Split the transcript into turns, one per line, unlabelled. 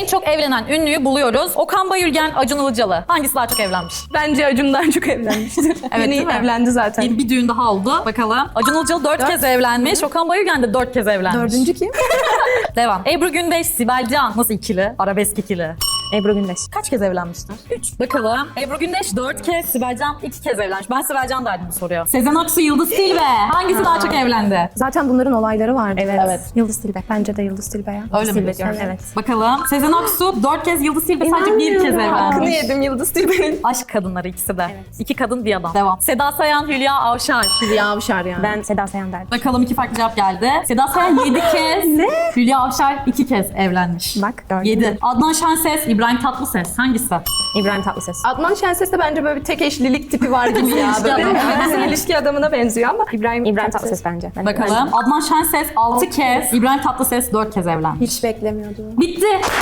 en çok evlenen ünlüyü buluyoruz. Okan Bayülgen, Acun Ilıcalı. Hangisi daha çok evlenmiş?
Bence Acun'dan çok evlenmiştir.
Evet, değil
Yeni
mi?
evlendi zaten.
Bir düğün daha oldu. Bakalım. Acun Ilıcalı 4 kez evlenmiş. Okan Bayülgen de 4 kez evlenmiş.
Dördüncü kim?
Devam. Ebru Gündeş, Sibel Can. Nasıl ikili? Arabesk ikili.
Ebru Gündeş.
Kaç kez evlenmişler? 3. Bakalım. Ebru Gündeş 4 kez, Sibel Can 2 kez evlenmiş. Ben Sibel Can derdim bu soruya. Sezen Aksu, Yıldız Tilbe. Hangisi daha çok evlendi?
Zaten bunların olayları vardı.
Evet.
Yıldız Tilbe. Bence de Yıldız Tilbe ya.
Öyle mi
Tilbe
diyorsun?
diyorum. Evet.
Bakalım. Sezen Aksu 4 kez, Yıldız Tilbe sadece 1 kez
Hakkını
evlenmiş.
yedim Yıldız Tilbe'nin.
Aşk kadınları ikisi de. 2 kadın bir adam. Devam. Seda Sayan, Hülya Avşar.
Hülya Avşar yani.
Ben Seda Sayan derdim.
Bakalım 2 farklı cevap geldi. Seda Sayan 7 kez. Ne? Hülya Avşar 2 kez evlenmiş.
Bak, gördün
7.
mü?
Adnan Şenses, İbrahim Tatlıses. Hangisi?
İbrahim Tatlıses.
Adnan Şenses'te bence böyle bir tek eşlilik tipi var gibi ya.
İlişki
Böyle
adamı.
ilişki adamına benziyor ama
İbrahim Tatlıses bence.
Bakalım. Adnan Şenses 6 kez, İbrahim Tatlıses 4 kez evlenmiş.
Hiç beklemiyordum.
Bitti.